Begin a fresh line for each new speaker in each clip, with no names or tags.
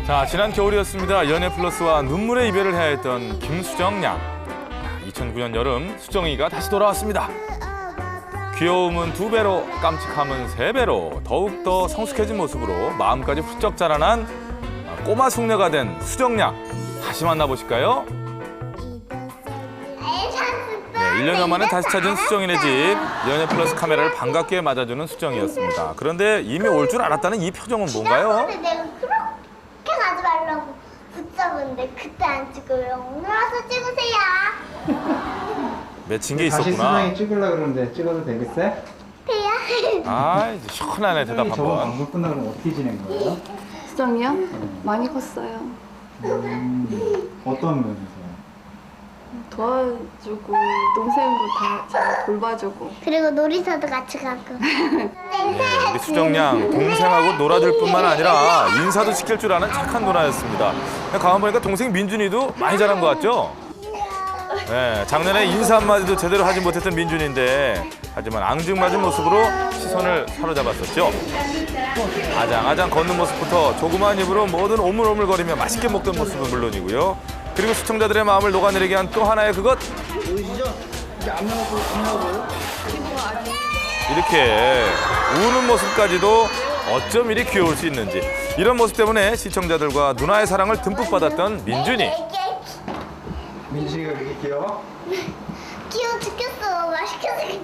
자, 지난 겨울이었습니다. 연애 플러스와 눈물의 이별을 해야 했던 김수정 양. 2009년 여름 수정이가 다시 돌아왔습니다. 귀여움은 2배로, 깜찍함은 3배로 더욱더 성숙해진 모습으로 마음까지 훌쩍 자라난 꼬마 숙녀가 된 수정 양. 다시 만나보실까요? 네, 1년여 만에 다시 찾은 수정이네 집. 연애 플러스 카메라를 반갑게 맞아주는 수정이었습니다. 그런데 이미 올 줄 알았다는 이 표정은 뭔가요?
내가 그렇게 가지 말라고 붙잡은데 그때 안 찍어요. 오늘 와서 찍으세요.
맺힌 게
다시
있었구나.
수정이 찍으려고 그러는데 찍어도 되겠어요?
돼요?
아, 이제 시원하네, 대답
수정이 저번
한번.
방송 끝나고 그럼 어떻게 지낸 거예요?
수정이요? 많이 컸어요.
어떤 면에서요?
도와주고 동생도 다 잘 돌봐주고.
그리고 놀이터도 같이 가고.
네, 우리 수정 양 동생하고 놀아줄 뿐만 아니라 인사도 시킬 줄 아는 착한 누나였습니다. 가만 보니까 동생 민준이도 많이 자란 것 같죠? 네, 작년에 인사 한마디도 제대로 하지 못했던 민준인데 하지만 앙증맞은 모습으로 시선을 사로잡았었죠. 아장아장 걷는 모습부터 조그마한 입으로 뭐든 오물오물거리며 맛있게 먹던 모습은 물론이고요. 그리고 시청자들의 마음을 녹아내리게 한 또 하나의 그것. 이렇게 우는 모습까지도 어쩜 이리 귀여울 수 있는지. 이런 모습 때문에 시청자들과 누나의 사랑을 듬뿍 받았던 민준이.
민식이가 그렇게 귀여워?
귀여워 죽겠어. 맛있게 생겼.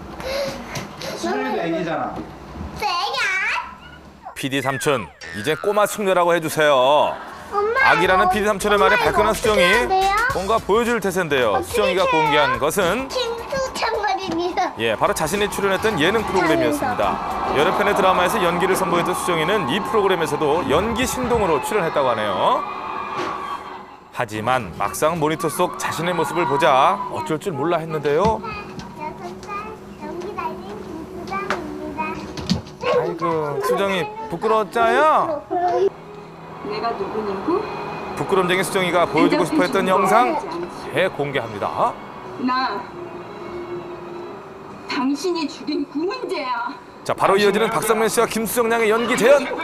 수정이도 애기잖아.
세야.
PD 삼촌, 이제 꼬마 숙녀라고 해주세요.
엄마.
아기라는 PD 삼촌의 말에
엄마,
발끈한
이거 어떻게 해야
수정이
돼요?
뭔가 보여줄 태세인데요. 수정이가
해요?
공개한 것은
김수찬 말입니다.
예, 바로 자신이 출연했던 예능 프로그램이었습니다. 여러 편의 드라마에서 연기를 선보였던 수정이는 이 프로그램에서도 연기 신동으로 출연했다고 하네요. 하지만 막상 모니터 속 자신의 모습을 보자 어쩔 줄 몰라 했는데요.
6살 연기 달린 김수정입니다.
아이고, 수정이 부끄러웠자요?
내가 누구냐고?
부끄럼쟁이 수정이가 보여주고 싶어 했던 영상 대공개합니다.
나 당신이 죽인 구문재야.
자, 바로 이어지는 박상면 씨와 김수정 양의 연기 재현.
나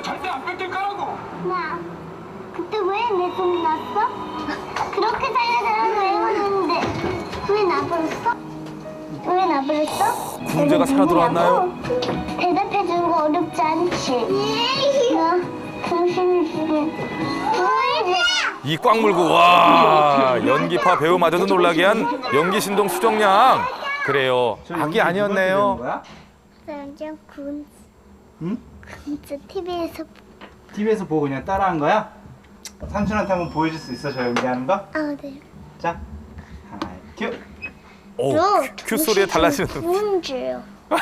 그때 왜 내 손이 났어? 그렇게 살려달라고 애원했는데 왜 나버렸어? 왜 나버렸어?
구문재가 살아 돌아왔나요?
대답해주는 거 어렵지 않지? 나 당신을 죽인
이 꽉 물고 와, 연기파 배우마저도 놀라게 한 연기 신동 수정 양. 그래요, 악이 아니었네요.
완전 군
응?
진짜 TV에서
TV에서 보고 그냥 따라한 거야? 삼촌한테 한번 보여줄 수 있어, 저 연기하는 거?
네.
자, 하나, 큐!
오, 큐 소리에 달라지는.
군주요.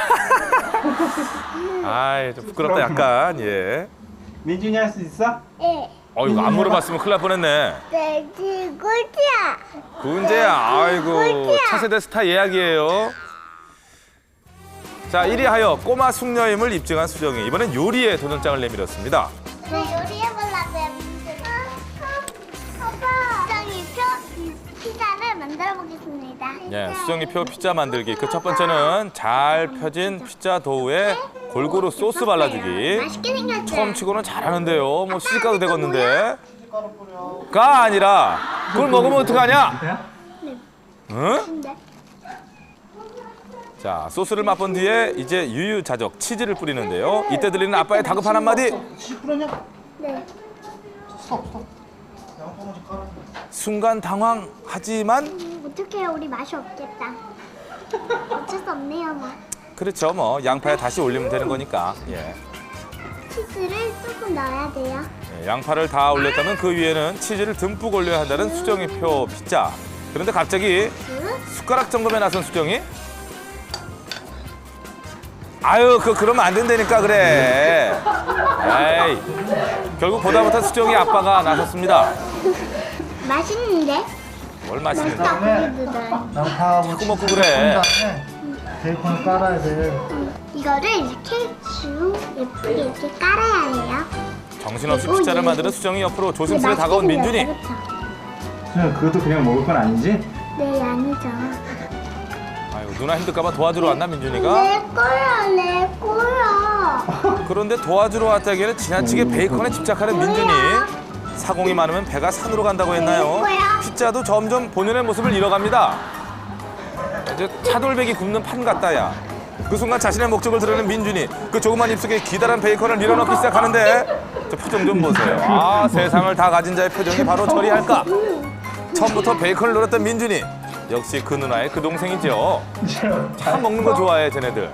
아이, 좀 부끄럽다 약간. 예.
민준이 할 수 있어?
예.
이거 안 물어봤으면 큰일 날 뻔했네.
네, 꿀이야.
군재야, 아이고, 차세대 스타 예약이에요. 자, 1위 하여 꼬마 숙녀임을 입증한 수정이 이번엔 요리에 도전장을 내밀었습니다.
네, 요리해보려고요. 아빠, 수정이표 피자를 만들어 보겠습니다.
예, 수정이표 피자 만들기. 그 첫 번째는 잘 펴진 피자 도우에 골고루 소스 발라주기.
맛있게 생겼죠?
처음 치고는 잘하는데요. 뭐 시집가도 되겠는데. 가 아니라 그걸 먹으면 어떡하냐? 응?
네.
자, 소스를 맛본 뒤에 이제 유유자적 치즈를 뿌리는데요. 이때 들리는 아빠의 다급한 한마디.
네.
순간 당황하지만
어떡해요, 우리 맛이 없겠다. 어쩔 수 없네요, 뭐.
그렇죠. 뭐 양파에 다시 올리면 되는 거니까. 예.
치즈를 조금 넣어야 돼요.
예, 양파를 다 올렸다면 그 위에는 치즈를 듬뿍 올려야 한다는 수정이표 피자. 그런데 갑자기 숟가락 점검에 나선 수정이 아유, 그러면 안 된다니까 그래. 에이. 결국 보다 못한 수정이 아빠가 나섰습니다.
맛있는데?
뭘 맛있는데.
떡볶이도 넣어요.
양파하고
자꾸 먹고 그래.
베이컨을 깔아야 돼.
이거를 이렇게 쭉 예쁘게 이렇게 깔아야 해요.
정신없이 피자를 만드는 수정이 옆으로 조심스레 다가온 민준이.
수정, 그것도 그냥 먹을 건 아니지?
네, 아니죠.
아유, 누나 힘들까봐 도와주러 왔나 민준이가?
내 거야, 내 거야.
그런데 도와주러 왔다기에는 지나치게 베이컨에 집착하는 민준이. 사공이 많으면 배가 산으로 간다고 했나요? 피자도 점점 본연의 모습을 잃어갑니다. 이제 차돌박이 굽는 판 같다야. 그 순간 자신의 목적을 드러낸 민준이 그 조그만 입속에 기다란 베이컨을 밀어넣기 시작하는데 저 표정 좀 보세요. 아, 세상을 다 가진 자의 표정이 바로 저리할까? 처음부터 베이컨을 노렸던 민준이 역시 그 누나의 그 동생이죠. 참 먹는 거 좋아해 쟤네들.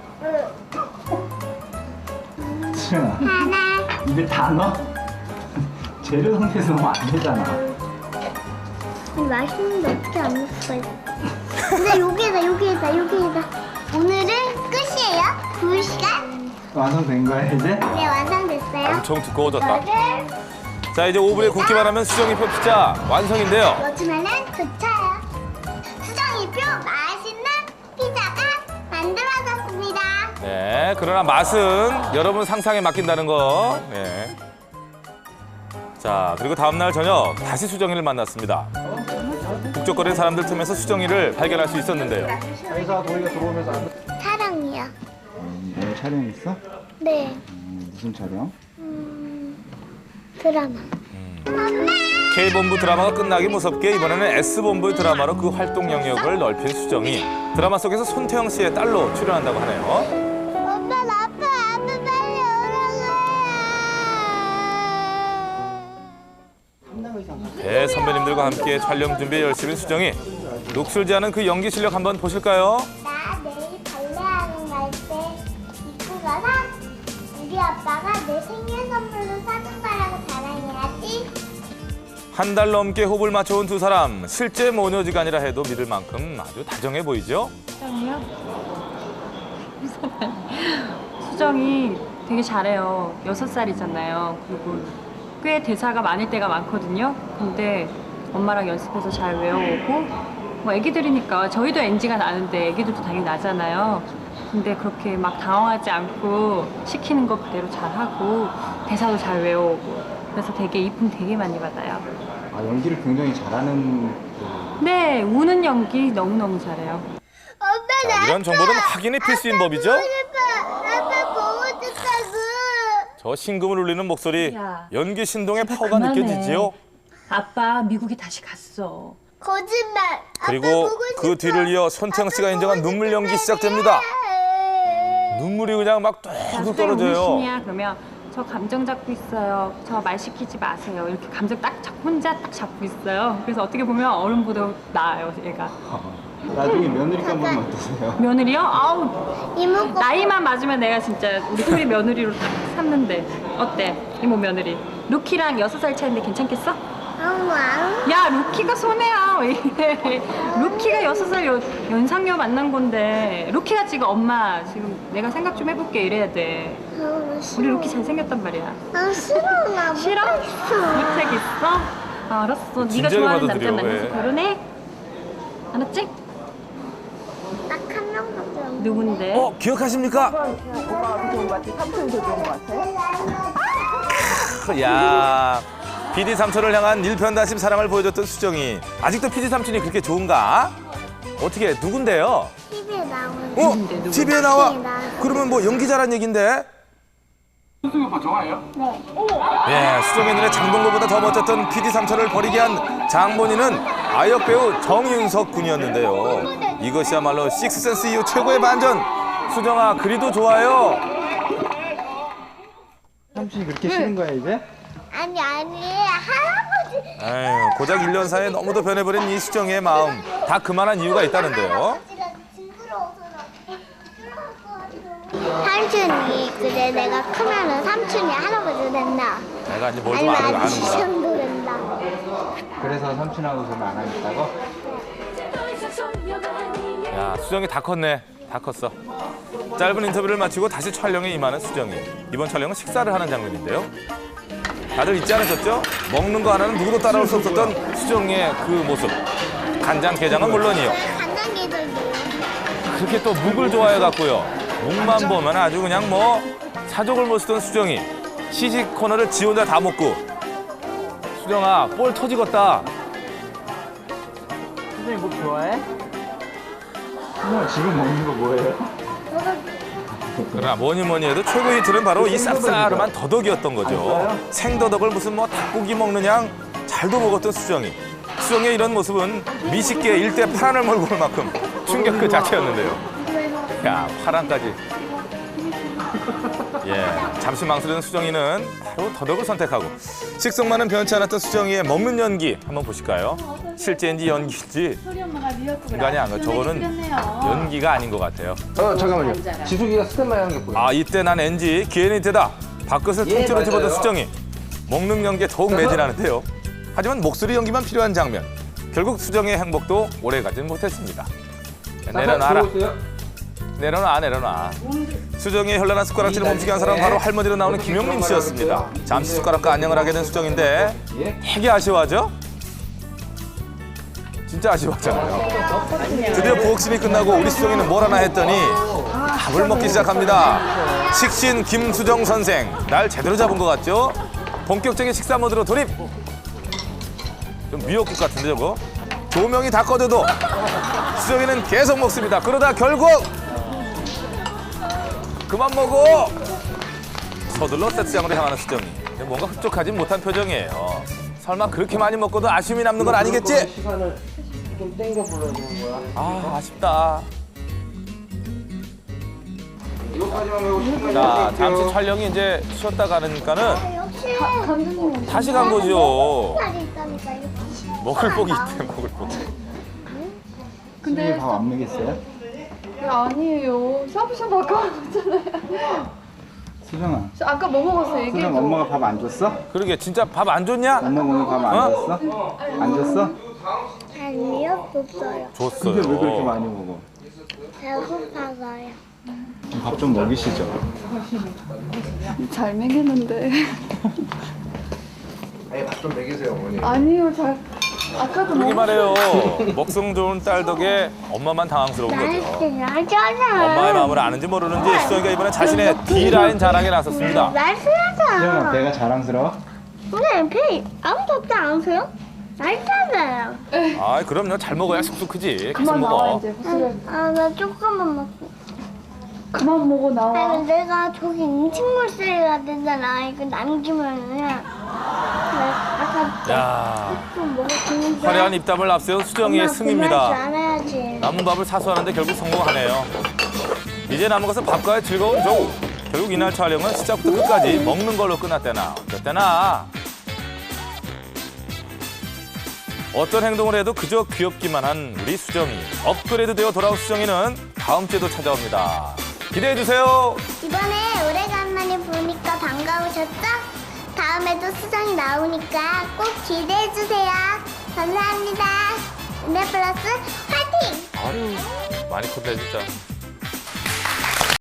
수정아, 입에 다 넣어? 재료 상태에서 넣으면 안 되잖아.
아니, 맛있는데 어떻게 안 먹을 수가 있어? 근데 여기다. 오늘은 끝이에요. 2시간.
완성된 거야 이제?
네, 완성됐어요.
엄청 두꺼워졌다.
이거를
자, 이제 오븐에 굽기만 하면 수정이표 피자 완성인데요.
넣어주면은 좋아요. 수정이표 맛있는 피자가 만들어졌습니다.
네, 그러나 맛은 여러분 상상에 맡긴다는 거. 네. 자, 그리고 다음날 저녁 다시 수정이를 만났습니다. 북적거리는 사람들 틈에서 수정이를 발견할 수 있었는데요.
회사 우리가 들어오면서
사랑이요.
오늘 촬영 있어?
네.
무슨 촬영?
드라마.
K본부 드라마가 끝나기 무섭게 이번에는 S본부의 드라마로 그 활동 영역을 넓힌 수정이 드라마 속에서 손태영 씨의 딸로 출연한다고 하네요.
엄마 나빠 빨리 오라고.
대 선배님들과 함께 촬영 준비에 열심인 수정이 녹슬지 않은 그 연기 실력 한번 보실까요?
나 내일 발레하는 갈 때 입고 가서 우리 아빠가 내 생일 선물로 사준 거라고 자랑해야지.
한 달 넘게 호흡을 맞춰온 두 사람 실제 모녀지간이라 해도 믿을 만큼 아주 다정해 보이죠?
수정이요? 수정이 되게 잘해요. 6살이잖아요. 그리고 꽤 대사가 많을 때가 많거든요. 근데 엄마랑 연습해서 잘 외워오고 뭐 애기들이니까 저희도 NG가 나는데 애기들도 당연히 나잖아요. 근데 그렇게 막 당황하지 않고 시키는 거 그대로 잘하고 대사도 잘 외워오고 그래서 되게 이쁨 되게 많이 받아요.
아, 연기를 굉장히 잘하는
네, 우는 연기 너무너무 잘해요.
엄마
자, 이런 정보는 확인이 필수인 법이죠?
아빠 보고 싶다고.
저 심금을 울리는 목소리,
야,
연기 신동의
제발
파워가
그만해.
느껴지지요?
아빠 미국에 다시 갔어.
거짓말.
그리고 그 뒤를 이어 손태영 씨가 인정한 눈물 연기 시작됩니다. 눈물이 그냥 막 뚝뚝 떨어져요.
신이야 그러면 저 감정 잡고 있어요. 저 말 시키지 마세요. 이렇게 감정 딱 잡고 혼자 딱 잡고 있어요. 그래서 어떻게 보면 어른보다 나아요, 얘가.
나중에 며느리 깐보면 어떠세요?
며느리요? 아우
이모가
나이만 맞으면 내가 진짜 우리 소리 며느리로 딱 삼는데 어때? 이모 며느리. 루키랑 6살 차인데 괜찮겠어?
엄마.
야 루키가 손해야 왜 이래. 루키가 6살 연상녀 만난 건데 루키가 지금 엄마 지금 내가 생각 좀 해볼게 이래야 돼. 우리 루키 잘생겼단 말이야.
아 싫어 나
싫어? 무책 있어? 알았어. 네가
진작에
좋아하는
받아들여,
남자 만나서
왜.
결혼해. 알았지?
딱 한 명밖에 없는데.
누군데?
기억하십니까? 야, PD 삼촌을 향한 일편단심 사랑을 보여줬던 수정이 아직도 PD 삼촌이 그렇게 좋은가? 어떻게 누군데요?
TV에 나오는.
어? TV에 나와?
TV에 나와.
그러면 뭐 연기자란 얘긴데?
수승 오빠 좋아해요?
예, 수정의 눈에 장동건보다 더 멋졌던 PD 삼촌을 버리게 한 장본인은 아역 배우 정윤석 군이었는데요. 이것이야말로 식스센스 이후 최고의 반전. 수정아, 그리도 좋아요.
삼촌이 그렇게 싫은 거야 이제?
아니 할아버지.
에휴, 고작 1년 사이에 너무도 변해버린 이 수정이의 마음. 다 그만한 이유가 있다는데요.
할아버지가 징그러워서 삼촌이 그래 내가 크면은 삼촌이 할아버지 된다.
내가 이제 뭘 좀
아니면
아는구나.
아저씨형도 된다.
그래서 삼촌하고 저는 안 하겠다고?
야, 수정이 다 컸네. 다 컸어. 짧은 인터뷰를 마치고 다시 촬영에 임하는 수정이. 이번 촬영은 식사를 하는 장면인데요. 다들 잊지 않으셨죠? 먹는 거 하나는 누구도 따라올 수 없었던 수정이의 그 모습. 간장게장은 물론이요.
간장게장도.
그렇게 또 묵을 좋아해갖고요. 묵만 보면 아주 그냥 뭐 사족을 못 쓰던 수정이. 시식 코너를 지 혼자 다 먹고. 수정아, 볼 터지겠다.
선생님 뭐 좋아해? 수정아 지금 먹는 거 뭐예요?
그러나 뭐니 해도 최고 히트는 바로 이 쌉싸름한 더덕이었던 거죠. 생더덕을 무슨 뭐 닭고기 먹는 양 잘도 먹었던 수정이. 수정의 이런 모습은 미식계 일대 파란을 몰고 올 만큼 충격 그 자체였는데요. 야, 파란까지. 예, 잠시 망설이는 수정이는 바로 더덕을 선택하고 식성만은 변치 않았던 수정이의 먹는 연기 한번 보실까요? 실제인지 연기인지 중간이 안 가요. 저거는 연기가 아닌 것 같아요.
잠깐만요. 지숙이가 스탠바이 하는 게 보여요.
아, 이때 난 NG, 기회는 이때다. 밥그릇을 통째로
맞아요.
집어든 수정이 먹는 연기에 더욱 매진하는데요. 하지만 목소리 연기만 필요한 장면. 결국 수정의 행복도 오래가진 못했습니다. 내려놔라. 내려놔. 수정이의 현란한 숟가락질을 멈추게 한 사람은 바로 할머니로 나오는 김용림 씨였습니다. 잠시 숟가락과 안녕을 하게 된 수정인데 되게 아쉬워하죠? 진짜 아쉬워하잖아요. 드디어 부엌심이 끝나고 우리 수정이는 뭘 하나 했더니 밥을 먹기 시작합니다. 식신 김수정 선생, 날 제대로 잡은 것 같죠? 본격적인 식사 모드로 돌입! 좀 미역국 같은데 저거? 조명이 다 꺼져도 수정이는 계속 먹습니다. 그러다 결국 그만 먹어! 서둘러 세트장으로 향하는 수정이. 뭔가 흡족하진 못한 표정이에요. 설마 그렇게 많이 먹고도 아쉬움이 남는 건 아니겠지?
시간을 좀 땡겨 불러주는 거야.
아, 아쉽다.
이거까지만 배우고 싶으면
자, 잠시 촬영이 이제 쉬었다 가니까는
역시
다시 간 거죠.
살이 있다니까 이거.
먹을 복이 있대, 먹을 복.
근데 밥안 먹였어요?
아니에요. 샤브샤브 아까 먹었잖아요.
수정아,
아까 뭐 먹었어요? 얘기해
수정
줘.
엄마가 밥 안 줬어?
그러게, 진짜 밥 안 줬냐?
엄마 오늘 밥 안
어?
줬어? 안 줬어?
아니요, 없어요.
근데 왜 그렇게
줬어요.
많이 먹어?
배고파서요.
밥 좀 먹이시죠.
잘 먹였는데.
아니 밥 좀 먹이세요 어머니.
아니요, 아까도
그러기 말해요. 먹성 좋은 딸 덕에 엄마만 당황스러운 거죠.
날씬하잖아.
엄마의 마음을 아는지 모르는지 수정이가 이번에 자신의 D라인 자랑에 나섰습니다.
수정아
날씬하잖아.
배가 자랑스러워?
근데 배 아무도 없지 않으세요? 날씬하잖아요.
아, 그럼요. 잘 먹어야 쑥쑥 크지. 계속
그만 나와
먹어.
이제. 호수를
나 조금만 먹고.
그만 먹어 나와.
아니, 내가 저기 음식물쓰레기가 되잖아. 이거 남기면은. 아까
야,
좀 먹었는데.
화려한 입담을 앞세운 수정이의 승입니다.
안 해야지.
남은 밥을 사수하는데 결국 성공하네요. 이제 남은 것은 밥과의 즐거운 조우. 결국 이날 촬영은 시작부터 끝까지 먹는 걸로 끝났대나 어쨌대나. 어떤 행동을 해도 그저 귀엽기만 한 우리 수정이. 업그레이드되어 돌아온 수정이는 다음 주에도 찾아옵니다. 기대해주세요.
이번에 오래간만에 보니까 반가우셨죠? 다음에도 수정이 나오니까 꼭 기대해주세요. 감사합니다. 은혜 플러스 화이팅!
아유, 많이 컸네 진짜.